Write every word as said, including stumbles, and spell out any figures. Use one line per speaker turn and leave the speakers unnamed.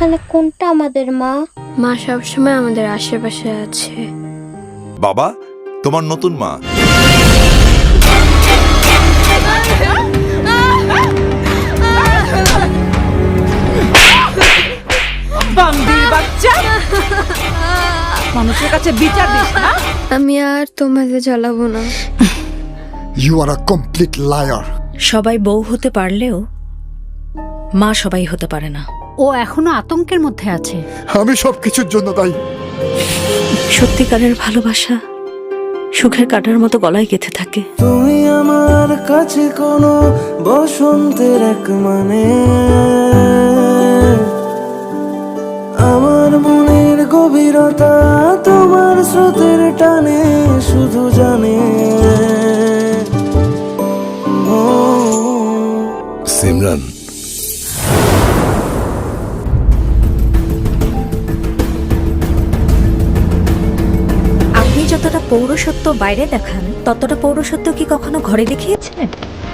তাহলে কোনটা আমাদের মা?
মা সবসময় আমাদের আশেপাশে আছে।
বাবা, তোমার নতুন মা।
বান্দির বাচ্চা, মানুষের কাছে বিচার দিস না।
আমি আর তোমাদের জ্বালাবো না।
You are a complete liar.
সবাই বউ হতে পারলেও মা সবাই হতে পারে না।
ও এখনো আতঙ্কের মধ্যে আছে।
আমি সব কিছুর জন্য দায়ী।
সত্যিকারের ভালোবাসা সুখের কাটার মতো গলায় গেঁথে থাকে।
তুমি আমার কাছে কোনো বসন্তের এক মানে, আমার মনের গভীরতা তোমার স্রোতের টানে শুধু জানে।
সিমরান,
আপনি যতটা পৌরসত্ব বাইরে দেখান ততটা পৌরসত্ব কি কখনো ঘরে দেখিয়েছেন?